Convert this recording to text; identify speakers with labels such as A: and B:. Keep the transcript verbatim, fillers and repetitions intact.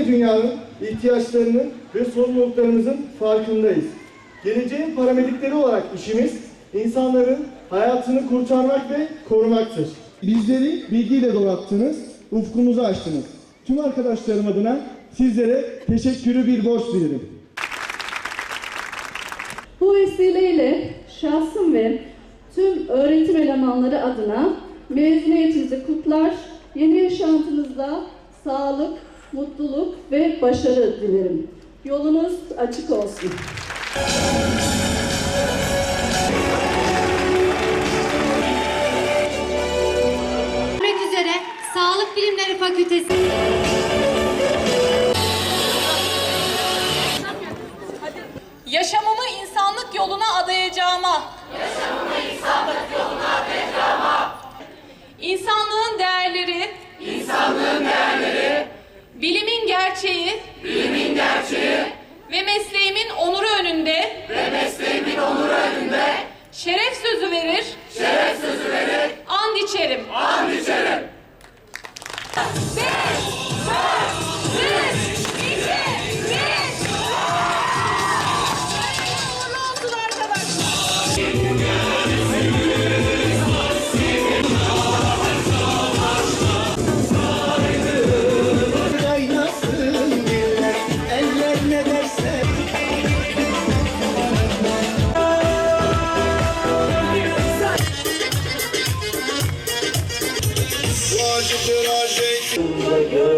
A: ve dünyanın ihtiyaçlarının ve sorumluluklarımızın farkındayız. Geleceğin paramedikleri olarak işimiz, insanların hayatını kurtarmak ve korumaktır. Bizleri bilgiyle donattınız, ufkumuzu açtınız. Tüm arkadaşlarım adına sizlere teşekkürü bir borç bilirim.
B: Bu vesileyle şahsım ve tüm öğretim elemanları adına mezuniyetinizi kutlar, yeni yaşantınızda sağlık, mutluluk ve başarı dilerim. Yolunuz açık olsun.
C: Görüşmek üzere Sağlık Bilimleri Fakültesi.
D: Yaşamımı insanlık yoluna adayacağıma.
E: Yaşamımı insanlık yoluna adayacağıma.
D: İnsanlığın değerleri.
E: İnsanlığın değerleri.
D: Bilimin gerçeği.
E: Bilimin gerçeği.
D: Ve mesleğimin onuru önünde.
E: Ve mesleğimin onuru önünde.
D: Şeref sözü verir.
E: Şeref sözü verir.
D: And içerim.
E: And içerim.
D: Beş, dört, üç, iki, bir. Uğurlu olsun arkadaşlar.
A: Kaynasın diller, eller ne derse.
F: Acıdır acı.